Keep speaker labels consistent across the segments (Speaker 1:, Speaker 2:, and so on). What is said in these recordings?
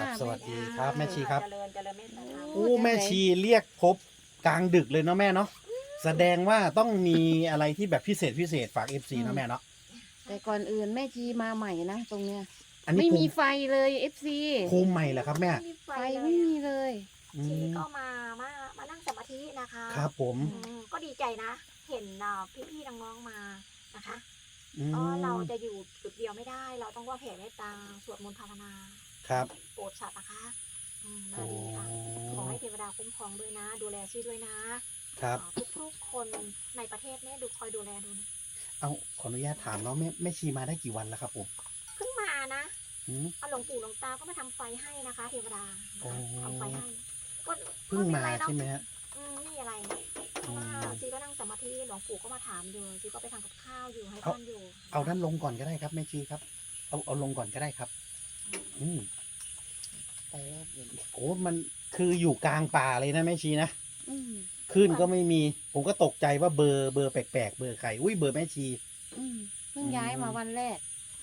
Speaker 1: ครับสวัสดีครับแม่ชีครับ
Speaker 2: เจริญเจริญเมตตาธรรม
Speaker 1: โอ้แม่ชีเรียกพบกลางดึกเลยเนาะแม่เนาะแสดงว่าต้องมีอะไรที่แบบพิเศษฝากเอฟซีเนาะแม่เนาะ
Speaker 3: แต่ก่อนอื่นแม่ชีมาใหม่นะตรงเนี้ย
Speaker 1: อันนี้
Speaker 3: ไม่
Speaker 1: ภู
Speaker 3: มี
Speaker 1: มิ
Speaker 3: ไฟเลยเอฟซี
Speaker 1: ภูมิใหม่เหรอครับแม่
Speaker 2: มีไฟ
Speaker 3: ไฟ
Speaker 2: เล
Speaker 3: ไม่
Speaker 2: ย
Speaker 3: มีเลย
Speaker 1: อื
Speaker 2: ชี
Speaker 1: ม
Speaker 2: ก็มานั่งสมาธินะคะ
Speaker 1: ครับผม
Speaker 2: ก็ดีใจนะ เห็นพี่ๆน้องๆมานะคะ
Speaker 1: อื
Speaker 2: เพราะเรา
Speaker 1: ม
Speaker 2: จะอยู่จุดเดียวไม่ได้ เราต้องว่าแผ่เมตตาสวดมนต์ภาวนา
Speaker 1: ครับ
Speaker 2: โปรดสัตว์นะคะมา
Speaker 1: โอ้
Speaker 2: ดีค่ะขอให้เทวดาคุ้มครองด้วยนะ ดูแลชีด้วยนะครับ ทุกๆคนในประเทศเนี่ยคอยดูแลดูนะ
Speaker 1: เอาขออนุญาตถามเนาะแม่ชีมาได้กี่วันแล้วครับผม
Speaker 2: เพิ่งมานะ
Speaker 1: อืม
Speaker 2: เอาหลวงปู่หลวงตาก็มาทำไฟให้นะคะ เทวดา
Speaker 1: โอ้
Speaker 2: ทำไฟให้ก็
Speaker 1: เพิ่งมา
Speaker 2: ไเป็นไรเนอะ
Speaker 1: ใช่ไหมฮะ
Speaker 2: นี่อะไรเพราะว่าซีก็นั่งสมาธิหลวงปู่ก็มาถามอยู่ซีก็ไปทำกับข้าวอยู่ให้ท่านอยู่
Speaker 1: เอาด้านลงก่อนก็ได้ครับแม่ชีครับ เอาลงก่อนก็ได้ครับ อืม
Speaker 3: แต่ว่าเดี๋ยว
Speaker 1: โอ้มันคืออยู่กลางป่าเลยนะแม่ชีนะ
Speaker 3: อืม
Speaker 1: ขึ้นก็ไม่มี ผมก็ตกใจว่าเบอร์แปลกๆเบอร์ใครอุ้ยเบอร์แม่ชี
Speaker 3: อืมเพิ่งย้ายมาวันแรก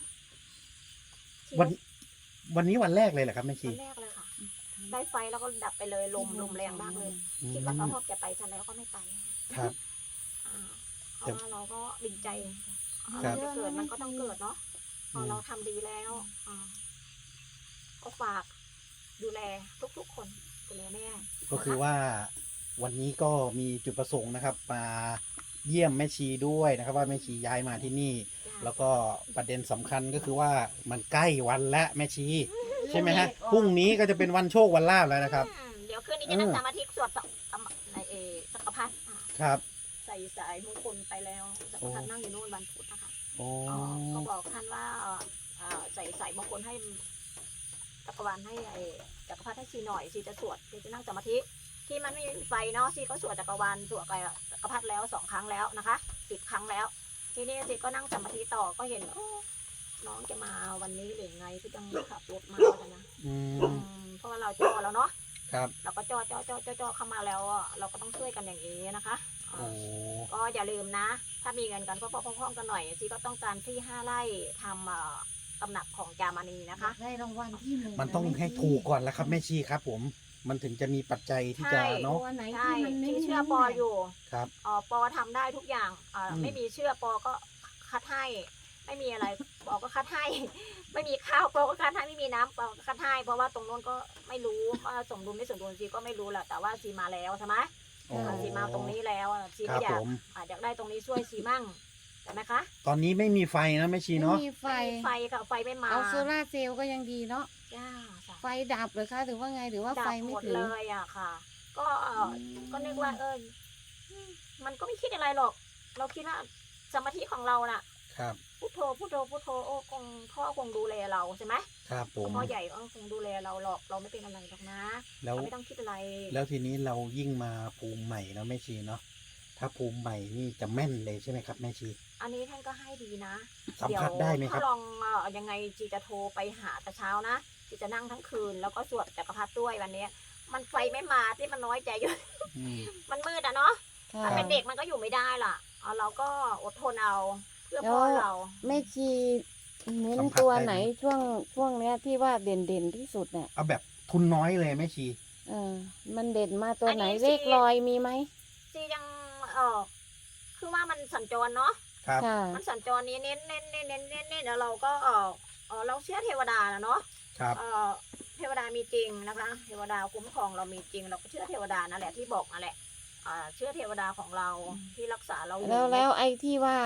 Speaker 1: วันนี้วันแรกเลยเหรอครับแม่ชี
Speaker 2: วันแรกเลยค่ะ ได้ไฟแล้วก็ดับไปเลยลมแรงมากเลย
Speaker 1: อืม
Speaker 2: คิดว่าเขาพบจะไปฉันแล้วก็ไม่ไป
Speaker 1: ครับ
Speaker 2: เพราะว่าเราก็ดิ่งใจ
Speaker 1: ครับ
Speaker 2: จะเกิดมันก็ต้องเกิดเนาะพอเราทำดีแล้วก็ฝากดูแลทุกๆคนดูแลแม่
Speaker 1: ก็คือว่าวันนี้ก็มีจุดประสงค์นะครับ มาเยี่ยมแม่ชีด้วยนะครับ ว่าแม่ชีย้ายมาที่นี่ แล้วก็ประเด็นสำคัญก็คือว่ามันใกล้วันและแม่ชี ใช่ไหมฮะพรุ่งนี้ก็จะเป็นวันโชควันลาภแล้วนะครับ
Speaker 2: เดี๋ยวคืนนี้จะนั่งสมาธิสวดในจักรพรรดิ
Speaker 1: ครับ
Speaker 2: ใส่สายมงคลไปแล้วจักรพรรดินั่งอยู่นู่นวันพุธนะคะ
Speaker 1: โอ้
Speaker 2: ก็บอกท่านว่าใส่สายมงคลให้จักรวาลให้จักรพรรดิให้ชีหน่อยชีจะสวดชีจะนั่งสมาธิที่มันไม่มีไฟเนาะชีก็สวดจักรวาลสวดไปจักรพรรดิแล้ว2 ครั้งแล้วนะคะ10 ครั้งแล้ว ทีนี้ชีก็นั่งสมาธิต่อก็เห็นน้องจะมาวันนี้หรือไงที่ต้องขับรถมาแล้วนะ
Speaker 1: อืม
Speaker 2: เพราะว่าเราจ่อแล้วเนาะ
Speaker 1: ครับ
Speaker 2: เราก็จ่อเข้ามาแล้วเราก็ต้องช่วยกันอย่างนี้นะคะ
Speaker 1: โอ้
Speaker 2: ก็อย่าลืมนะ ถ้ามีเงินกันก็พร้อมๆกันหน่อยซีก็ต้องการที่5 ไร่ทำตำหนักของจามณีนะคะ
Speaker 3: ได้รางวัลที่หนึ่ง
Speaker 1: มันต้องให้ถูกก่อนแล้วครับแม่ชีครับ ผม มันถึงจะมีปัจจัยที่จะ
Speaker 2: ใช่
Speaker 1: เนาะ
Speaker 3: ตัวไหน
Speaker 2: ใช่
Speaker 3: ที่มันไม่
Speaker 2: ที่เชื่อปออยู่
Speaker 1: ครับ
Speaker 2: ปอทำได้ทุกอย่างไม่มีเชื่อปอก็คัดให้ไม่มีอะไรปอก็คัดให้ ไม่มีข้าวปอก็คัดให้ไม่มีน้ำปอก็คัดให้เพราะว่าตรงโน้นก็ไม่รู้ว่าสมดุลไม่สมดุลซีก็ไม่รู้แหละแต่ว่าซีมาแล้วใช่ไหม
Speaker 1: โอ้
Speaker 2: ซีมาตรงนี้แล้วซี
Speaker 1: ครั
Speaker 2: ก็
Speaker 1: บ
Speaker 2: อยา
Speaker 1: ผ
Speaker 2: ก
Speaker 1: ม
Speaker 2: อยากได้ตรงนี้ช่วยซีมั่งใช่ไหมคะ
Speaker 1: ตอนนี้ไม่มีไฟนะแม่ชี
Speaker 3: ไม่
Speaker 1: เนาะ
Speaker 3: มีไฟ
Speaker 2: ไฟค่ะไฟไม่มา
Speaker 3: เอาโซล่าร์เซลล์ก็ยังดีเนาะ
Speaker 2: จ้า
Speaker 3: ไฟดับเลยคะหรือว่าไงหรือว่า
Speaker 2: ดั
Speaker 3: ไฟ
Speaker 2: บ
Speaker 3: ไม่
Speaker 2: หมด
Speaker 3: ถึง
Speaker 2: เลยอ่ะค่ะ ก็ก็นึกว่ามันก็ไม่คิดอะไรหรอก เราคิดว่าสมาธิของเราน่ะ
Speaker 1: ครับ
Speaker 2: พุทโธพุทโธพุทโธโอ้คงพ่อคงดูแลเราใช่ไหม
Speaker 1: ครับผม
Speaker 2: พ่อใหญ่คงดูแลเราหรอกเราไม่เป็นอะไรหรอกนะ
Speaker 1: แล้ว
Speaker 2: เราไม่ต้องคิดอะไร
Speaker 1: แล้วทีนี้เรายิ่งมาภูมิใหม่แล้วแม่ชีเนาะ ถ้าภูมิใหม่นี่จะแม่นเลยใช่ไหมครับแม่ชี
Speaker 2: อันนี้ท่านก็ให้ดีนะ
Speaker 1: สัมผัสได้ไหมครับ
Speaker 2: ถ้าลองยังไงจีจะโทรไปหาแต่เช้านะจีจะนั่งทั้งคืนแล้วก็สวดจักรพรรดิด้วยวันนี้ มันไฟไม่มาที่มันน้อยใจอยู่
Speaker 1: อืม
Speaker 2: มันมืดอะเนาะ
Speaker 3: ค่ะ
Speaker 2: ถ้าเป็นเด็กมันก็อยู่ไม่ได้ล่ะเราก็อดทนเอาเพื่อพ่อเรา
Speaker 3: แม่ชีเน้น
Speaker 1: สัมผัส
Speaker 3: ตัว
Speaker 1: ได้ไหม
Speaker 3: ไหนช่วงเนี้ยที่ว่าเด่นที่สุดเนี่ย
Speaker 1: เอาแบบทุนน้อยเลยแม่ชี
Speaker 3: มันเด่นมาตัวไหน
Speaker 2: อันนี้
Speaker 3: เลขลอยมีไหม
Speaker 2: จียังคือว่ามันสัญจรเนาะ
Speaker 1: ครับ
Speaker 3: ค่ะ
Speaker 2: มันสัญจรนี้เน้นแล้วเราก็เราเชื่อเทวดานะเนาะ
Speaker 1: ครับ
Speaker 2: เทวดามีจริงนะคะ เทวดาคุ้มครองเรามีจริง เราก็เชื่อเทวดานั่นแหละที่บอกนั่นแหละเชื่อเทวดาของเราที่รักษาเราอยู่
Speaker 3: แล้วไอ้ที่ว่า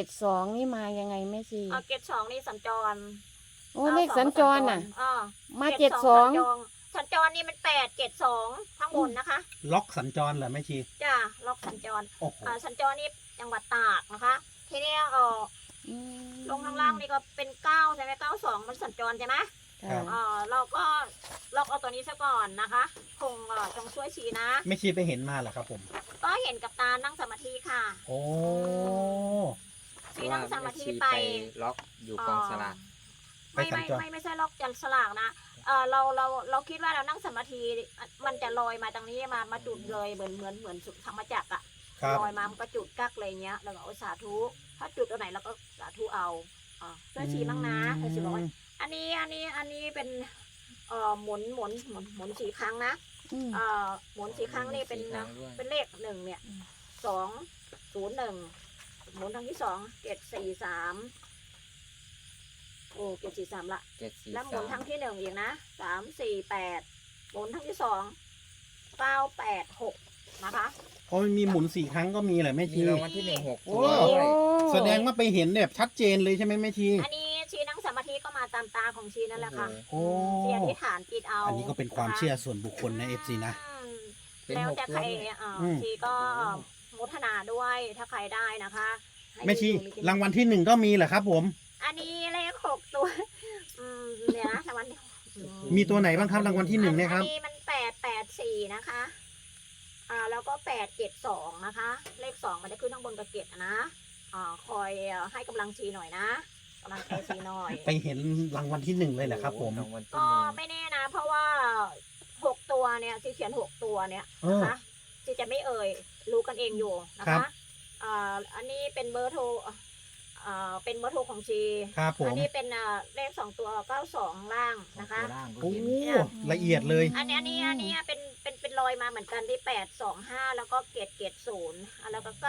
Speaker 3: 72นี่มายังไงแม่ชี
Speaker 2: เกต2นี่สัญจร
Speaker 3: โอ้เลขสัญจรน่ะ มา
Speaker 2: เกต
Speaker 3: 72
Speaker 2: สัญจรนี่มัน8 7 2ทั้งบนนะคะ
Speaker 1: ล็อกสัญจรเหรอแม่ชี
Speaker 2: จ้าล็อกสัญจร
Speaker 1: โอ้โห
Speaker 2: สัญจรนี่จังหวัดตากนะคะ ทีนี้
Speaker 3: อืม
Speaker 2: ลงข้างล่างนี่ก็เป็น9ใช่ไหม92มันสัญจรใช่ไหม
Speaker 1: ครั
Speaker 3: ค่ะ
Speaker 1: บ
Speaker 2: เราก็ล็อกเอาตัวนี้ซะก่อนนะคะคงต้องช่วยชี้นะ
Speaker 1: แม่ชีไปเห็นมาเหรอครับผม
Speaker 2: ก็เห็นกับตานั่งสมาธิค่ะ
Speaker 1: โอ้
Speaker 2: ชี้นั่งสมาธิ
Speaker 4: เพระว่
Speaker 2: ไป
Speaker 4: แม่ชีล็อกอยู่กองสลาก
Speaker 2: ไม่ใช่ล็อกจันสลากนะเราคิดว่าเรานั่งสมาธิมันจะลอยมาตรงนี้มาจุดเลยเหมือนธรรมจักรอะ
Speaker 1: ครับ
Speaker 2: ลอยมามันก็จุดกักเลยเงี้ยแล้วก็เอาสาธุถ้าจุดตัวไหนเราก็สาธุเอาช่วยชี้บ้างนะช่วยชี้บอกว่าอันนี้เป็นหมุน4 ครั้งนะ
Speaker 3: อืม
Speaker 2: หมุน4 ครั้งนี่เป็น
Speaker 4: 4 ครั้งด้วย
Speaker 2: เป็นเลข1เนี่ย201หมุนครั้งที่2 743โอ้743ละ
Speaker 4: 7 4
Speaker 2: แล้วหมุนครั้ง
Speaker 4: 3
Speaker 2: ที่1อีกนะ348หมุนครั้งที่2 986นะคะ
Speaker 1: เพราะมันมีหมุน4 ครั้งก็มีแหละแม่
Speaker 4: มี
Speaker 1: ชี
Speaker 4: รางวัลที่1 6
Speaker 1: โอ้
Speaker 4: ตัวด้วย
Speaker 1: แสดงว่าไปเห็นแบบชัดเจนเลยใช่ไหมแม่ชี
Speaker 2: อันนี้ชีนั่งสมาธิก็มาตามตาของชีนั่นแหละค่ะ
Speaker 1: โอ้
Speaker 2: ชีอธิษฐานจิตเอา
Speaker 1: อันนี้ก็เป็นความเชื่อส่วนบุคคลนะ FC นะ
Speaker 2: อืม
Speaker 4: เป็น
Speaker 2: แล้ว
Speaker 4: 6
Speaker 2: แต่
Speaker 4: ตั
Speaker 2: ใคว ร
Speaker 4: ด้วย
Speaker 2: ชีก็มุทนาด้วยถ้าใครได้นะคะให้
Speaker 1: แม่ชี
Speaker 2: อยู่กิน
Speaker 1: รางวัลที่1ก็มีเหรอครับผม
Speaker 2: อันนี้เลข6 ตัวเนี่ยนะรางวัลที่
Speaker 1: มีตัวไหนบ้างครับรางวัลที่1เนี่ยครับ
Speaker 2: อันนี้มัน884นะคะแล้วก็872นะคะเลข2มันจะขึ้นข้างบนกระเกตนะคอยให้กำลังชีหน่อยนะกำลังใจชีหน่อย
Speaker 1: ไปเห็นรางวัลที่1เลยเหรอครับผม
Speaker 4: รางวัลที่
Speaker 2: ก็
Speaker 4: 1
Speaker 2: ไม่แน่นะ เพราะว่า6 ตัวเนี่ยชีเขียน6 ตัวเนี่ย
Speaker 1: เออ
Speaker 2: นะคะชีจะไม่เอ่ยรู้กันเองอยู่นะ
Speaker 1: ครั
Speaker 2: คะ
Speaker 1: บ
Speaker 2: อันนี้เป็นเบอร์โทรเป็นเบอร์โทรของชี
Speaker 1: ครับผ
Speaker 2: อั
Speaker 1: ม
Speaker 2: นี้เป็นเลข2 ตัว92ล่างนะคะ
Speaker 4: ตัวล่างก็
Speaker 1: โอ้
Speaker 4: เห็น
Speaker 1: ละเอียดเลย
Speaker 2: อันนี้เป็นรอยมาเหมือนกันที่825แล้วก็เกต0แล้วก็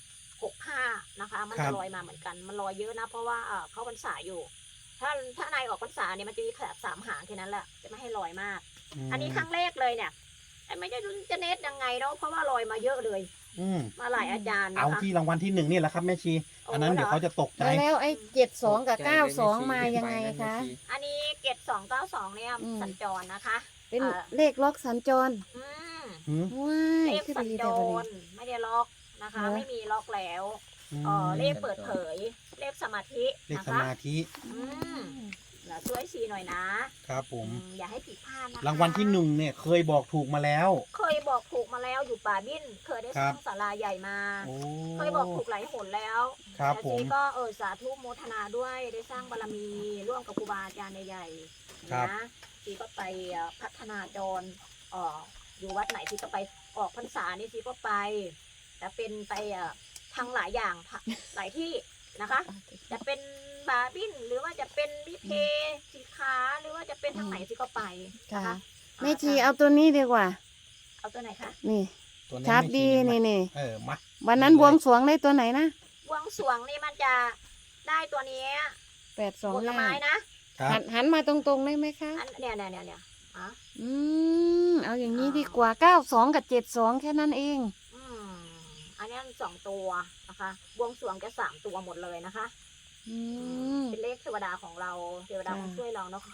Speaker 2: 965นะคะมัน
Speaker 1: ครั
Speaker 2: จะ
Speaker 1: บ
Speaker 2: ลอยมาเหมือนกันมันลอยเยอะนะเพราะว่าเขาพรรษาอยู่ ถ้านายออกพรรษาเนี่ยมันจะมีแค่3 หางแค่นั้นแหละจะไม่ให้ลอยมาก อันนี้ครั้งแรกเลยเนี่ยไม่ได้รู้จะเน็ตยังไงเนาะเพราะว่าลอยมาเยอะเลย
Speaker 1: อืม
Speaker 2: มาหลายอาจารย์นะ
Speaker 1: เอา
Speaker 2: คะ
Speaker 1: ที่รางวัลที่1นี่แหละครับแม่ชี
Speaker 2: โอ้
Speaker 1: อันนั้นเดี๋ยวเขาจะตกใจ
Speaker 3: แล้วไอ้72 กับ 92 มายังไงคะ
Speaker 2: อันนี้เกต292เนี่ย
Speaker 3: อืม
Speaker 2: สัญจรนะคะ
Speaker 3: เป็น
Speaker 2: อ่า
Speaker 3: เลขล็อกสัญจร
Speaker 2: อืม
Speaker 1: หืม
Speaker 3: ว้าย
Speaker 2: เลข
Speaker 3: คือ
Speaker 2: สัญ
Speaker 3: ดี
Speaker 2: จ
Speaker 3: แต่วัน
Speaker 2: ร
Speaker 3: นี้
Speaker 2: ไม่ได้ล็อกนะคะ
Speaker 3: เหรอ
Speaker 2: ไม่มีล็อกแล้ว เลขเปิดเผย เลขสมาธิ
Speaker 1: เลข
Speaker 2: นะ
Speaker 1: ส
Speaker 2: คะ
Speaker 1: มาธิ
Speaker 2: อืมช่วยชีหน่อยนะครับ
Speaker 1: ผม
Speaker 2: อย่าให้ผิดพลาดนะคะ
Speaker 1: รางวัลที่1เนี่ยเคยบอกถูกมาแล้ว
Speaker 2: เคยบอกถูกมาแล้วอยู่ป่าบิ้นเคยได้สร้างศาลาใหญ่มา
Speaker 1: โอ้
Speaker 2: เคยบอกถูกหลายหนแล้ว
Speaker 1: ครับ
Speaker 2: แต่
Speaker 1: ผ
Speaker 2: ชี
Speaker 1: ม
Speaker 2: ก็สาธุโมทนาด้วยได้สร้างบารมีร่วมกับครูบาอาจารย์ใหญ่ๆ
Speaker 1: ครับ
Speaker 2: นะชีก็ไปพัฒนาจรอยู่วัดไหนชีก็ไปออกพรรษานี่ชีก็ไปแต่เป็นไปทางหลายอย่างหลายที่นะคะ จะเป็นบาร์บินหรือว่าจะเป็นลิเพสีขาหรือว่าจะเป็นทางไหนชีก็ไปนะ
Speaker 3: ค่ะ
Speaker 2: คะ
Speaker 3: แม่ชีเอาตัวนี้ดีกว่า
Speaker 2: เอาตัวไหนคะ
Speaker 3: นี่
Speaker 1: ตัวนี้
Speaker 3: ชัด
Speaker 1: ไม่
Speaker 3: ดี
Speaker 1: ชี้มา
Speaker 3: นี่
Speaker 1: มา
Speaker 3: วันนั้น
Speaker 1: นี่
Speaker 3: บ
Speaker 1: เลย
Speaker 3: วงสรวงได้ตัวไหนนะ
Speaker 2: บวงสรวงนี่มันจะได้ตัวนี้ผลไม้
Speaker 3: 825
Speaker 1: ครับ
Speaker 3: หันมาตรงๆได้ไหมคะ
Speaker 2: อันเนี่ยอ่ะ
Speaker 3: เอาอย่างนี้ดีกว่า 92 กับ 72 แค่นั้นเอง
Speaker 2: อืมอันนี้2 ตัวนะคะบวงสรวงจะ3 ตัวหมดเลยนะคะ
Speaker 3: อืม
Speaker 2: เป็นเลขเทวดาของเราเทวดา
Speaker 3: ค่ะ
Speaker 2: คงช่วยเราเนาะคะ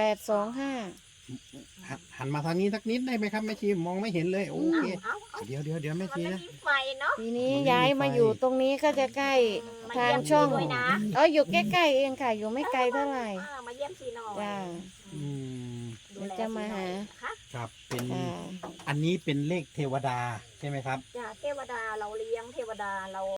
Speaker 3: 825
Speaker 1: หันมาทางนี้สักนิดได้ไหมครับแม่ชีมองไม่เห็นเลยโอเค
Speaker 2: เอา
Speaker 1: เดี๋ยวแม่
Speaker 2: มัน
Speaker 1: ชี
Speaker 2: ไม่
Speaker 1: นะ
Speaker 2: มีไฟเนาะ
Speaker 3: ทีนี้
Speaker 1: มันไม่มี
Speaker 3: ย้ายมา
Speaker 1: ไฟ
Speaker 3: อยู่ตรงนี้ก็จะใกล้
Speaker 2: มา
Speaker 3: ทาง
Speaker 2: เยี่ยม
Speaker 3: ช่อง
Speaker 2: ด้วยนะ
Speaker 3: อยู่ใกล้ๆเองค่ะ อยู่ไม่ไกลเท่าไหร่
Speaker 2: มาเยี่ยมซีหน่อย
Speaker 3: จ้า
Speaker 1: อืม
Speaker 2: ดูแล
Speaker 3: เดี๋ยวจะมาหา
Speaker 2: ซีหน่อยนะคะ
Speaker 1: ครับเป็น
Speaker 3: ค่ะ
Speaker 1: อันนี้เป็นเลขเทวดาใช่ไหมครับ
Speaker 2: จ้าเทวดาเราเลี้ยงเทวดาเรา